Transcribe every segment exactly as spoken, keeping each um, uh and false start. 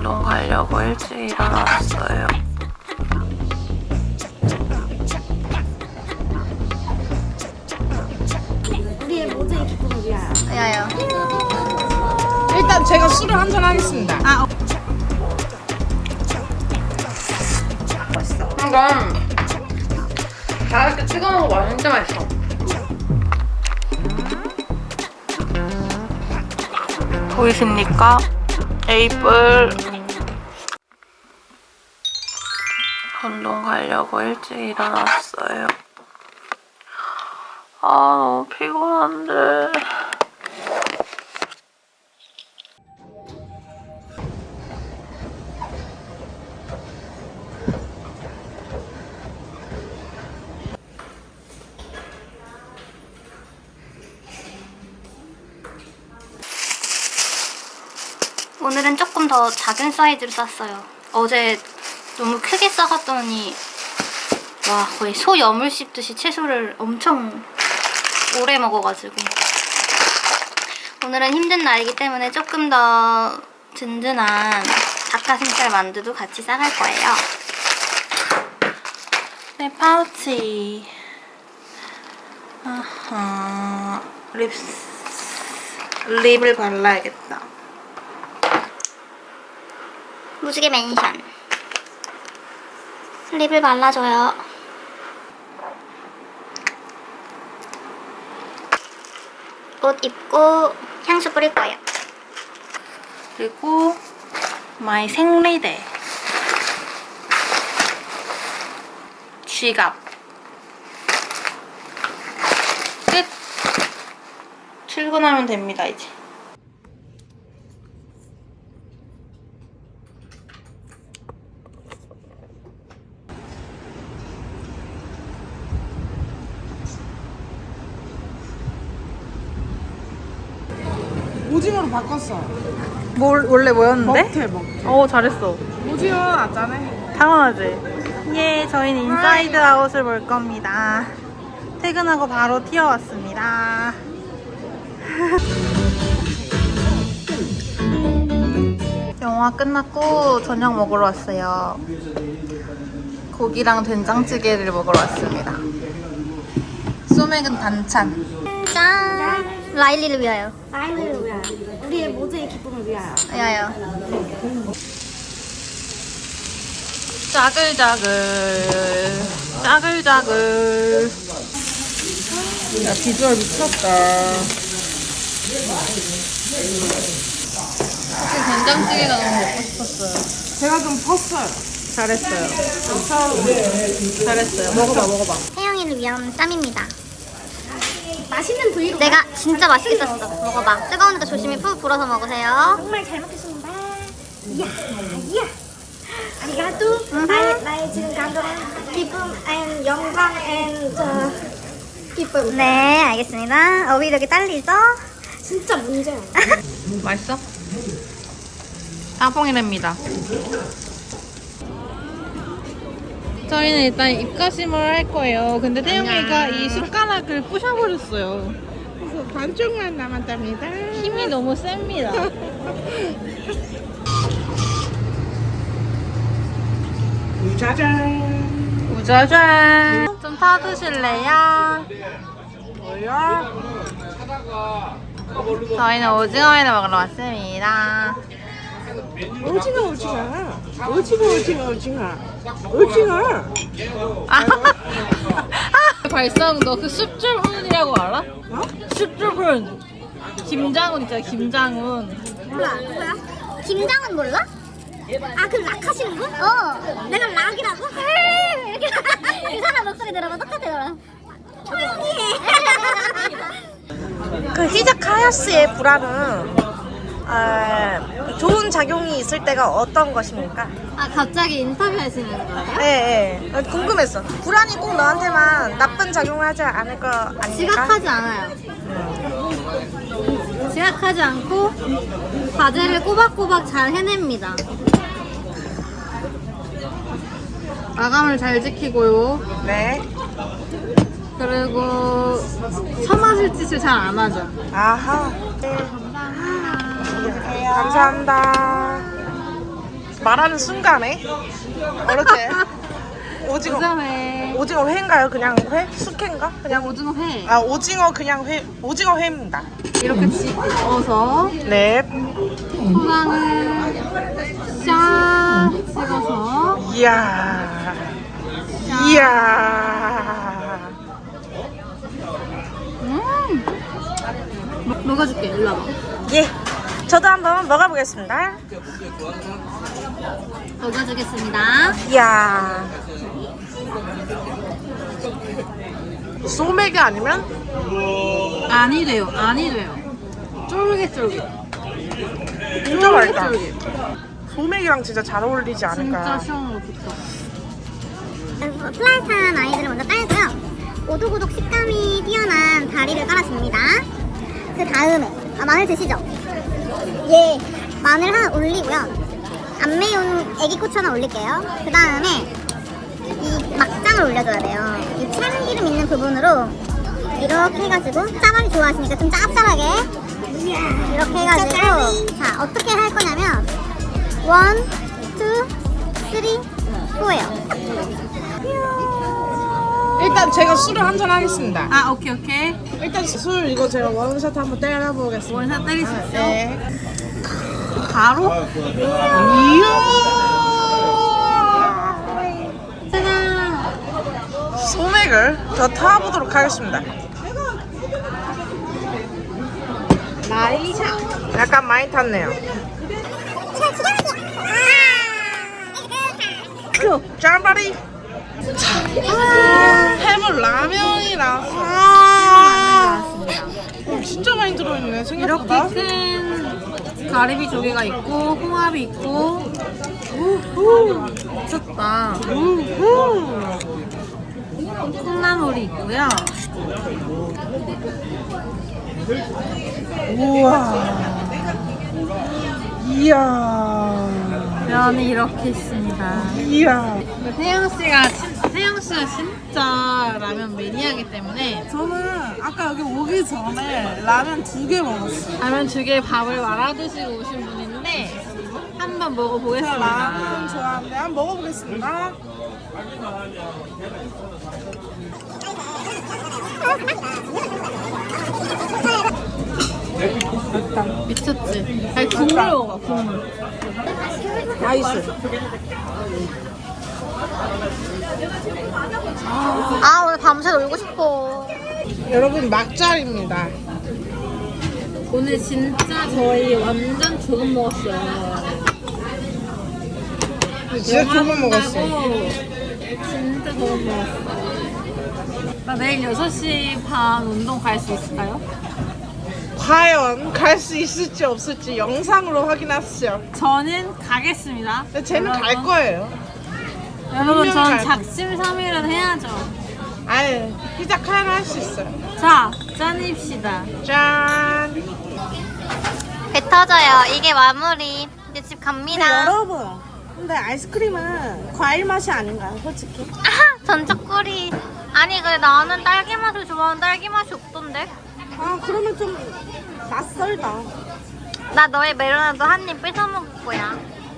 운동 가려고 일찍 일어났어요. 우리의 모두의 기쁨을 위하여. 야요. 일단 제가 술을 한잔 하겠습니다. 아, 어. 이건 다 이렇게 찍어 먹어봐. 진짜 맛있어. 보이십니까? 에이플. 운동 가려고 일찍 일어났어요. 아, 너무 피곤한데. 오늘은 조금 더 작은 사이즈로 쌌어요. 어제 너무 크게 싸갔더니 와, 거의 소 여물 씹듯이 채소를 엄청 오래 먹어가지고 오늘은 힘든 날이기 때문에 조금 더 든든한 닭가슴살 만두도 같이 싸갈 거예요. 내 파우치. 아하. 립, 립을 발라야겠다. 무지개 맨션 립을 발라줘요. 옷 입고 향수 뿌릴 거예요. 그리고 마이 생리대. 지갑. 끝. 출근하면 됩니다, 이제. 오징어로 바꿨어. 뭘 원래 뭐였는데? 먹태 먹태. 어, 잘했어. 오징어 낫잖아. 당연하지. 예, 저희는 인사이드 아웃을 볼 겁니다. 퇴근하고 바로 튀어왔습니다. 영화 끝났고 저녁 먹으러 왔어요. 고기랑 된장찌개를 먹으러 왔습니다. 소맥은 반찬. 짠! 라일리를 위하여. 아이를 위하여. 우리의 모두의 기쁨을 위하여. 야요. 짜글짜글 짜글짜글. 야, 비주얼 미쳤다. 사실 된장찌개가 너무 먹고 싶었어요. 제가 좀 펐어요. 잘했어요. 잘했어요. 먹어봐, 먹어봐. 혜영이를 위한 쌈입니다. 맛있는 부위로. 내가 진짜 맛있게 쌌어. 먹어봐. 뜨거우니까 조심히 푹 불어서 먹으세요. 정말 잘 먹겠습니다. 이야, 이야. 아리가또. 나의, 나의 지금 감정은 기쁨 and 영광 and 저 기쁨. 네, 알겠습니다. 어휘 이렇게 딸리죠? 진짜 문제야. 맛있어? 땅콩이랍니다. 저희는 일단 입가심을 할 거예요. 근데 태용이가 이 숟가락을 부셔버렸어요. 그래서 반쪽만 남았답니다. 힘이 너무 셉니다. 짜잔. 우자잔. 좀 타드실래요? 뭐야? 저희는 오징어회를 먹으러 왔습니다. 오징어 오징어. 오징어 오징어 오징어. 오징어. 아, 발성 너 그 숲줄훈이라고 알아? 어? 숲줄훈. 김장훈 있잖아, 김장훈. 몰라. 누구야? 김장은 몰라? 아, 그 락 하시는 분? 어. 내가 락이라고? 이렇게 그 사람 목소리 들어봐 똑같아, 너랑. 조용히 해. 그 히자카야스의 불안은 아, 좋은 작용이 있을 때가 어떤 것입니까? 아, 갑자기 인터뷰 하시는 거예요? 네, 네. 궁금했어. 불안이 꼭 너한테만 나쁜 작용을 하지 않을 거 아닙니까? 지각하지 않아요. 지각하지 않고 과제를 꼬박꼬박 잘 해냅니다. 마감을 잘 지키고요. 네. 그리고 처맞을 짓을 잘 안 하죠. 아하. 네. 감사합니다. 말하는 순간에 이렇게 오징어 오징어회. 오징어 회인가요? 그냥 회? 숙회인가? 그냥 오징어회. 아 오징어 그냥 회 오징어 회입니다. 이렇게 집어서 네. 초장을 샤 찍어서 이야. 이야. 음 먹- 먹어줄게. 일로 와봐. 예. 저도 한번 먹어보겠습니다. 먹어주겠습니다. 이야. 소맥이 아니면 아니 돼요. 아니 돼요. 쫄깃쫄깃. 진짜 맛있다. 쫄깃쫄깃. 소맥이랑 진짜 잘 어울리지 진짜 않을까. 시원한 거 좋다. 플라이탄 아이들을 먼저 깔고요. 오독오독 식감이 뛰어난 다리를 깔아줍니다. 그 다음에 아, 마늘 드시죠? 예, 마늘 하나 올리고요. 안 매운 애기 고추 하나 올릴게요. 그 다음에 이 막장을 올려줘야 돼요. 이 참기름 있는 부분으로 이렇게 해가지고 짜파게 좋아하시니까 좀 짭짤하게 이렇게 해가지고 자 어떻게 할 거냐면 원, 투, 쓰리, 포예요. 일단 제가 술을 한잔 하겠습니다. 아 오케이 오케이. 일단 술 이거 제가 원샷 한번 때려보겠습니다. 원샷 때릴 수 있어. 네. 바로. 소맥을 더 타보도록 하겠습니다. 많이 차. 약간 많이 탔네요. 짠바리. 해물 라면이랑 어, 진짜 많이 들어있네 생각보다. 이렇게 큰 가리비 조개가 있고 홍합이 있고 미쳤다. 콩나물이 있고요. 우와. 이야. 면이 이렇게 있습니다. 이야. 태영 씨가 진, 태영 씨가 진짜 라면 매니아이기 때문에 저는 아까 여기 오기 전에 라면 두 개 먹었어요. 라면 두 개 밥을 말아 드시고 오신 분인데 한번 제가 먹어보겠습니다. 라면 좋아하는데 한번 먹어보겠습니다. 미쳤지? 아니 국물 먹어 국물. 나이스. 아 오늘 밤새 놀고 싶어. 여러분 막잘입니다. 오늘 진짜 저희 완전 조금 먹었어요. 진짜 조금 먹었어. 먹었다고 진짜 조금 먹었어. 나 내일 여섯 시 반 운동 갈 수 있을까요? 과연 갈 수 있을지 없을지 영상으로 확인하시죠. 저는 가겠습니다. 근데 쟤는 갈 여러분. 거예요. 여러분 분명히 전 갈 작심삼일은 해야죠. 아예 피자 카야를 할 수 있어요. 자, 짠입시다. 짠. 배 터져요. 이게 마무리. 이제 집 갑니다. 여러분, 근데 아이스크림은 과일 맛이 아닌가요, 솔직히? 아하! 전적구리. 아니 그래 나는 딸기 맛을 좋아하는 딸기 맛이 없던데. 아, 그러면 좀 낯설다. 나 너의 멜로나도 한 입 뺏어 먹을 거야.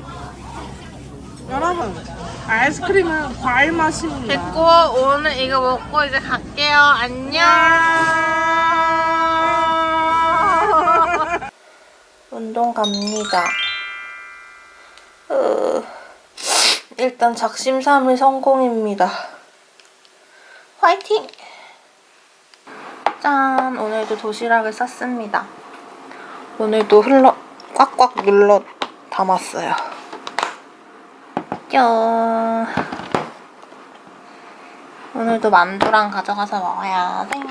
여러분, 아이스크림은 과일 맛입니다. 됐고 오늘 이거 먹고 이제 갈게요. 안녕. 운동 갑니다. 으, 일단 작심삼일 성공입니다. 화이팅! 짠! 오늘도 도시락을 쌌습니다. 오늘도 흘러 꽉꽉 눌러 담았어요. 짠! 오늘도 만두랑 가져가서 먹어야 돼.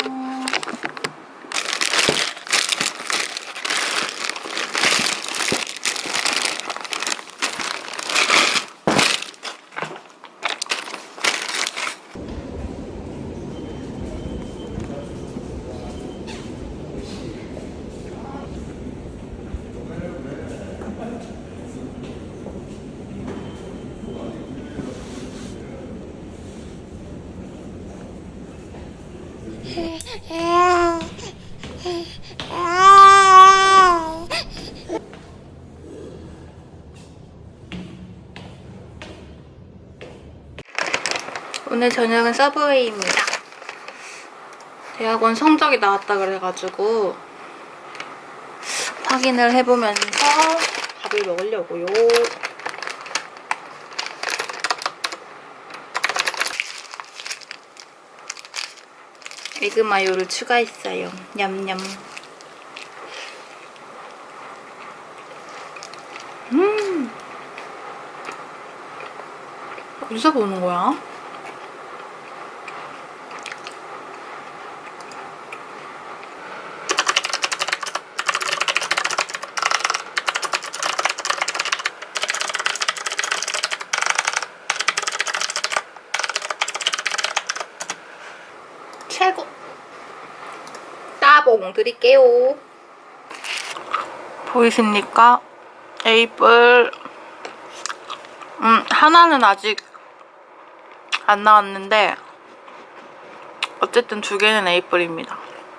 해 오늘 저녁은 서브웨이입니다. 대학원 성적이 나왔다 그래가지고 확인을 해보면서 밥을 먹으려고요. 에그 마요를 추가했어요. 냠냠. 음. 어디서 보는 거야? 최고! 따봉 드릴게요. 보이십니까? 에이플. 음, 하나는 아직 안 나왔는데 어쨌든 두 개는 에이플입니다.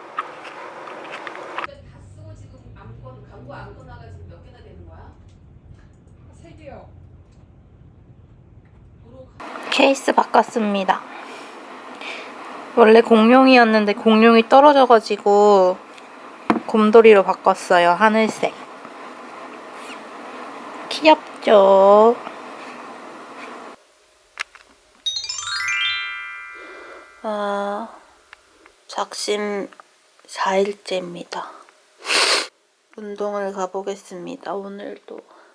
케이스 바꿨습니다. 원래 공룡이었는데 공룡이 떨어져가지고 곰돌이로 바꿨어요. 하늘색. 귀엽죠? 아, 작심 사 일째입니다. 운동을 가보겠습니다. 오늘도.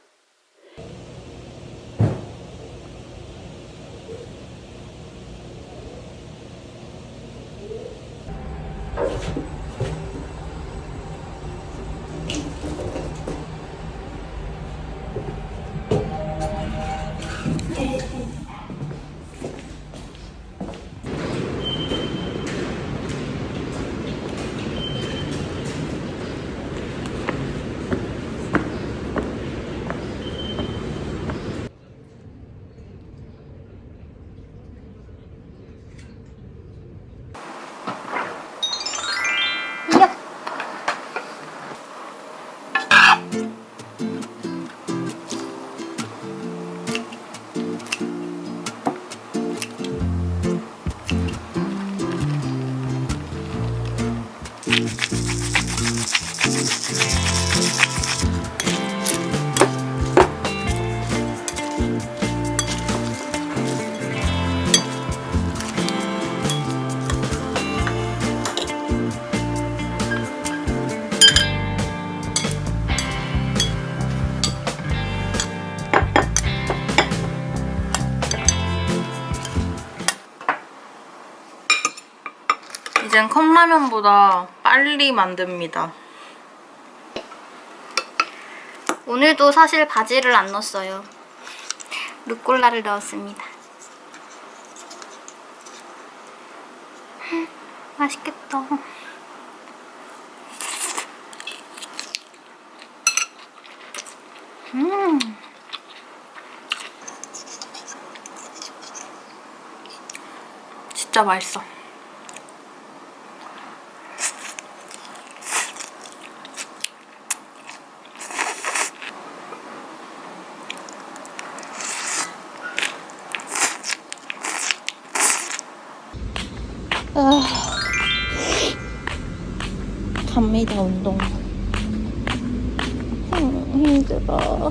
이젠 컵라면보다 빨리 만듭니다. 오늘도 사실 바지를 안 넣었어요. 루꼴라를 넣었습니다. 맛있겠다. 음. 진짜 맛있어. 아, 갑니다 운동. 음, 힘들어.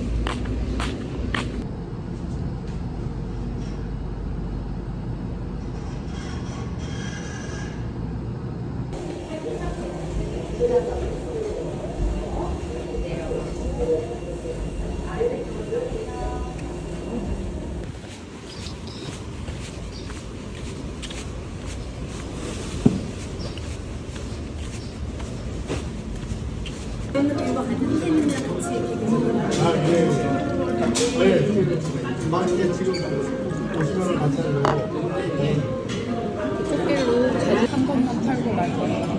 꽃길로 제주 한 번만 탈고 말 거예요.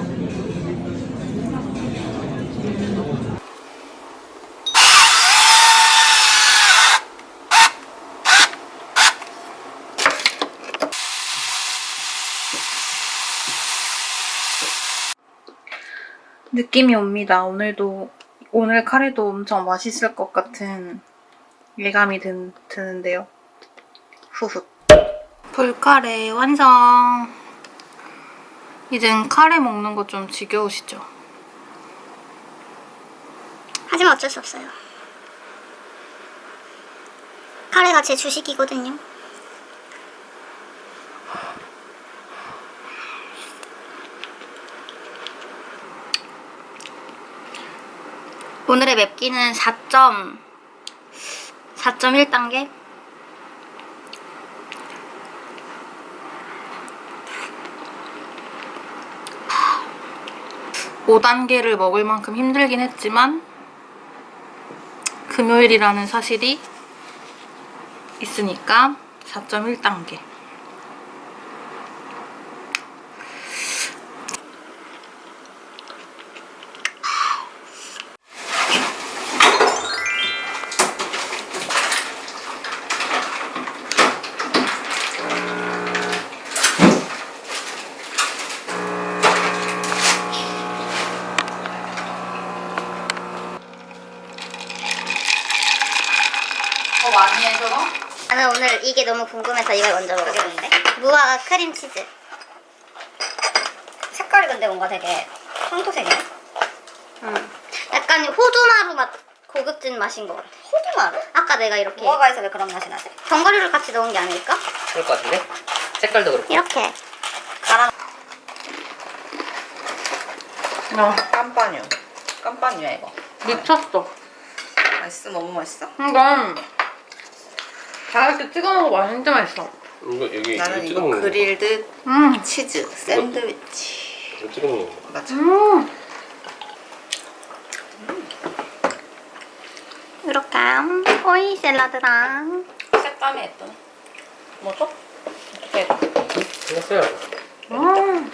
느낌이 옵니다. 오늘도 오늘 카레도 엄청 맛있을 것 같은 예감이 든, 드는데요. 후후. 불카레 완성. 이젠 카레 먹는 거 좀 지겨우시죠? 하지만 어쩔 수 없어요. 카레가 제 주식이거든요. 오늘의 맵기는 사 점 일 단계? 오 단계를 먹을 만큼 힘들긴 했지만 금요일이라는 사실이 있으니까 사 점 일 단계. 더 많이 해, 저거? 나는 오늘 이게 너무 궁금해서 이걸 먼저 먹어보는데. 무화과 크림치즈. 색깔이 근데 뭔가 되게 황토색이네. 음. 약간 호두마루 맛, 고급진 맛인 것 같아. 호두마루? 아까 내가 이렇게 무화과에서 왜 그런 맛이 나지? 견과류를 같이 넣은 게 아닐까? 그럴 것 같은데? 색깔도 그렇고. 이렇게. 가라. 어, 깜빠뉴. 깜빠뉴야 이거. 미쳤어. 맛있어? 너무 맛있어? 이건 다 이렇게 찍어 먹어봐. 진짜 맛있어. 이거 여기 나는 이거 찍어 이거 먹는 거. 그릴드 음. 치즈 샌드위치. 이거 찍어 먹는 거. 맞아. 음. 이렇게 오이 샐러드랑 색감이 예쁘네. 뭐죠? 어떻게 해봐. 생겼어요. 음.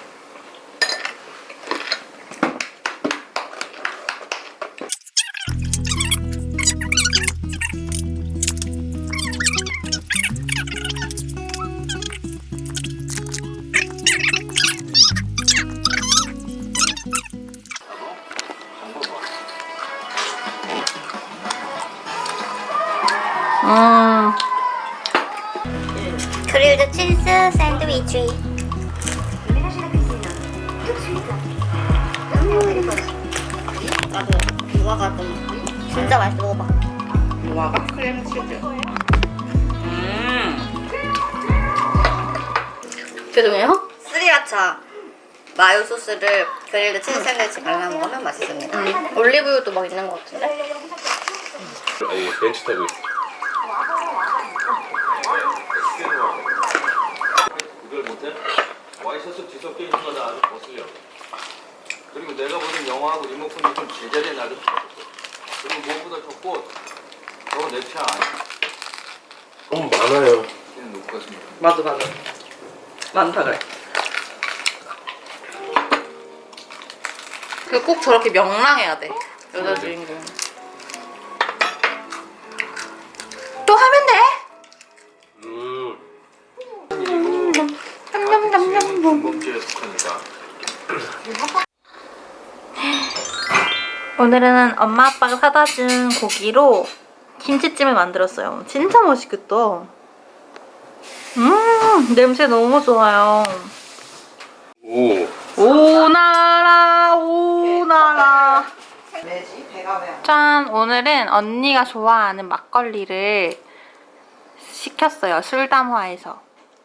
음. 그릴드 치즈 샌드위치. 나도 무화과 좀 진짜 맛있어. 먹어봐. 무화과 크림 치즈. 음. 죄송해요. 스리라차 마요 소스를 그릴드 치즈 샌드위치 발라 먹으면 맛있습니다. 음. 올리브유도 막 있는 것 같은데? 아니 벤치 타고 있어. 이걸 못해? 와이셔츠 뒤섞여 있는 거나 아주 거슬려. 그리고 내가 보는 영화하고 리모컨이 좀 제자리에 놔뒀어. 그리고 무엇보다 좋고 저거 내 취향 아니야. 너무 많아요. 얘는 놓고 갔습니다. 맞아 맞아. 많다 그래. 그 꼭 저렇게 명랑해야 돼. 여자 주인공. 또 하면 돼? 음. 지금은 중범죄에 속하니까. 오늘은 엄마 아빠가 사다 준 고기로 김치찜을 만들었어요. 진짜 맛있겠다. 음, 냄새 너무 좋아요. 오. 오나라 오나라. 왜지? 배가 왜 안? 짠! 오늘은 언니가 좋아하는 막걸리를 시켰어요. 술담화에서.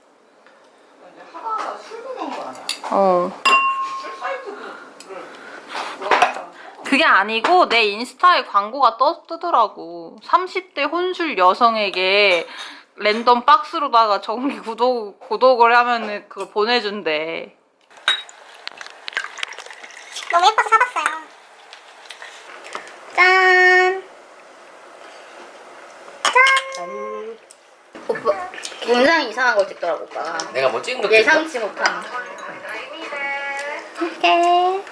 하다가 술 먹은 거 아니야? 어. 술 사이트를 들어갔잖아. 그게 아니고 내 인스타에 광고가 떠, 뜨더라고. 삼십 대 혼술 여성에게 랜덤 박스로다가 정기 구독, 구독을 하면은 그걸 보내준대. 너무 예뻐서 사봤어요. 짠. 짠. 오빠 굉장히 이상한 걸 찍더라고 오빠가. 내가 뭐 찍은 거 예상치 못한. 이렇게.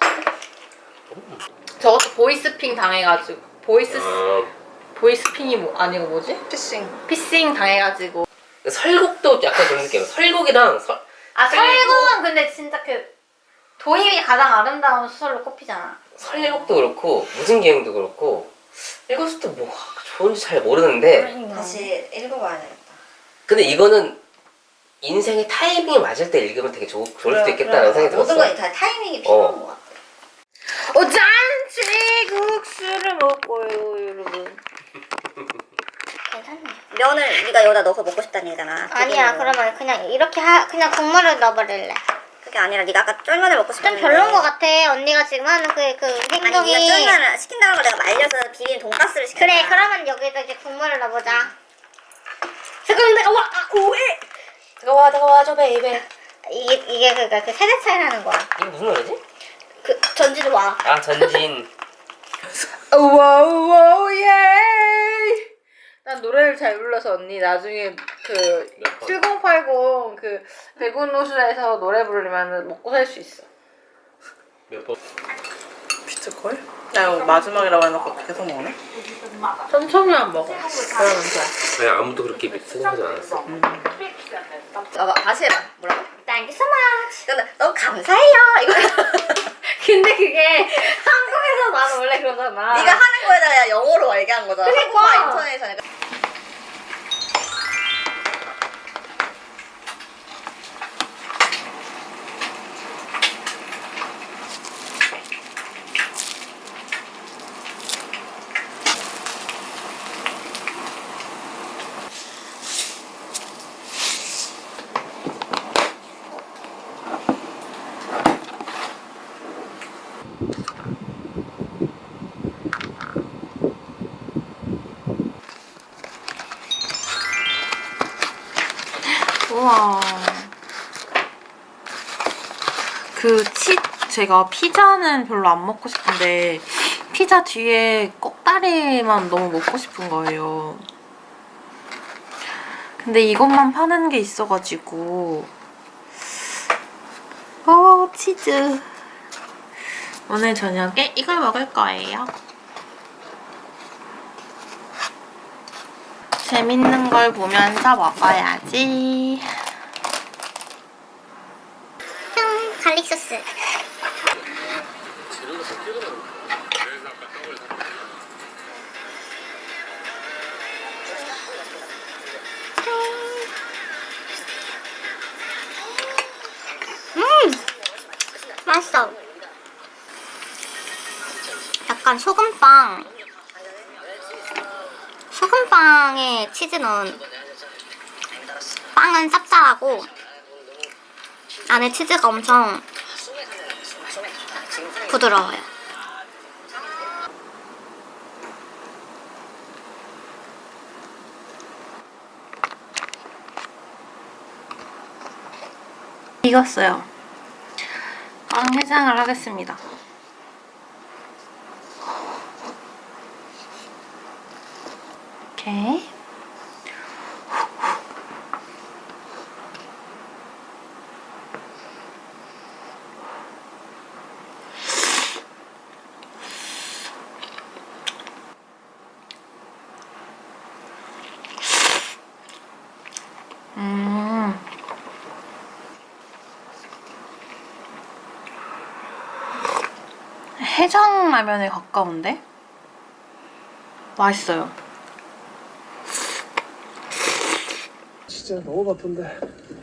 저것도 보이스핑 당해가지고 보이스 아, 보이스핑이 뭐 아니고 뭐지? 피싱. 피싱 당해가지고. 설국도 약간 그런 느낌. 설국이랑 설. 아 설국은 근데 진짜 그 도입이 가장 아름다운 수설로 꼽히잖아. 설국도 그렇고 무슨 기행도 그렇고 읽었을 때 뭐 좋은지 잘 모르는데 다시 읽어봐야 되겠다. 근데 이거는 인생의 타이밍이 맞을 때 읽으면 되게 좋, 좋을 수도 그래, 있겠다는 그래. 생각이 들었어. 모든 건 다 타이밍이 필요한 어. 것 같아. 오 잔치국수를 먹고요 여러분. 괜찮네. 면을 네가 여기다 넣어서 먹고 싶다는 얘기잖아. 아니야, 튀김으로. 그러면 그냥 이렇게 하, 그냥 국물을 넣어버릴래. 그게 아니라 네가 아까 쫄면을 먹고 좀 싶다는 별로인 것 같아. 언니가 지금 하는 그, 그 행동이. 아니 네가 쫄면을 시킨다는 걸 내가 말려서 비빔 돈가스를 시켰다. 그래, 그러면 여기다 이제 국물을 넣어보자. 잠깐만, 내가 와, 아, 오해! 들어와 들어와 줘 베이베. 이게, 이게 그니까 그 세대 차이 나는 거야. 이게 무슨 노래지? 그, 전지도 와. 아 전진. 와우 예. 난 노래를 잘 불러서 언니 나중에 그 몇 번? 칠공팔공 그 백운호수에서 노래 부르면 먹고 살 수 있어. 몇 번? 비트콜? 나 이거 마지막이라고 해놓고 계속 먹네? 천천히만 먹어. 그러면 돼. 왜 아무도 그렇게 생각하지 않았어. 아, 다시 해봐. 뭐라고? Thank you so much. 근데 너무 감사해요. 이거 근데 그게 한국에서 나는 원래 그러잖아. 네가 하는 거에다가 영어로 얘기한 거잖아. 그러니까. 한국말 인터넷에. 우와. 그 치, 제가 피자는 별로 안 먹고 싶은데 피자 뒤에 꼭다리만 너무 먹고 싶은 거예요. 근데 이것만 파는 게 있어가지고 어 치즈. 오늘 저녁에 이걸 먹을 거예요. 재밌는 걸 보면서 먹어야지. 형, 갈릭 소스. 음! 맛있어. 약간 소금빵. 소금빵에 치즈 넣은 빵은 짭짤하고 안에 치즈가 엄청 부드러워요. 익었어요. 빵 해장을 하겠습니다. 이렇게. 음. 해장라면에 가까운데? 맛있어요. 진짜 너무 바쁜데.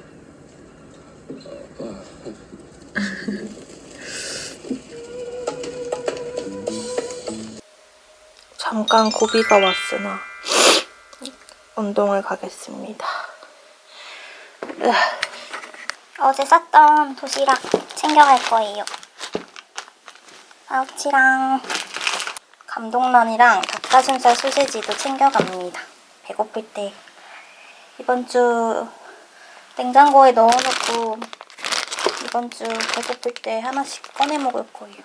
잠깐 고비가 왔으나 운동을 가겠습니다. 어제 쌌던 도시락 챙겨갈 거예요. 파우치랑 감동란이랑 닭가슴살 소세지도 챙겨갑니다. 배고플 때 이번 주 냉장고에 넣어놓고 이번 주 배고플 때 하나씩 꺼내 먹을 거예요.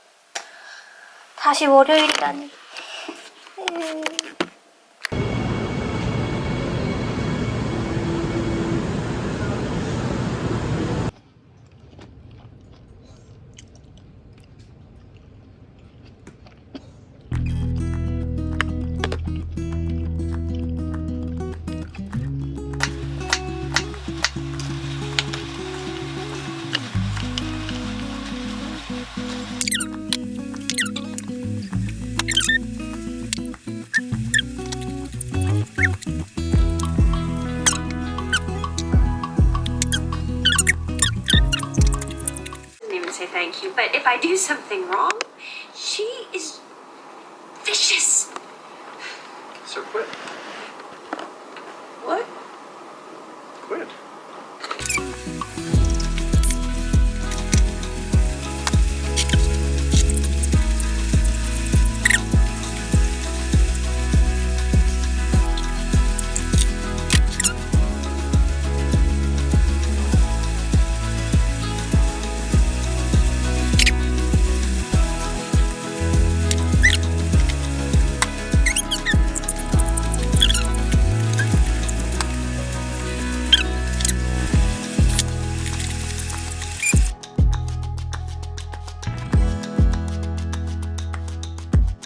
다시 월요일이라니. 음. thank you. But if I do something wrong, she is vicious. So quit.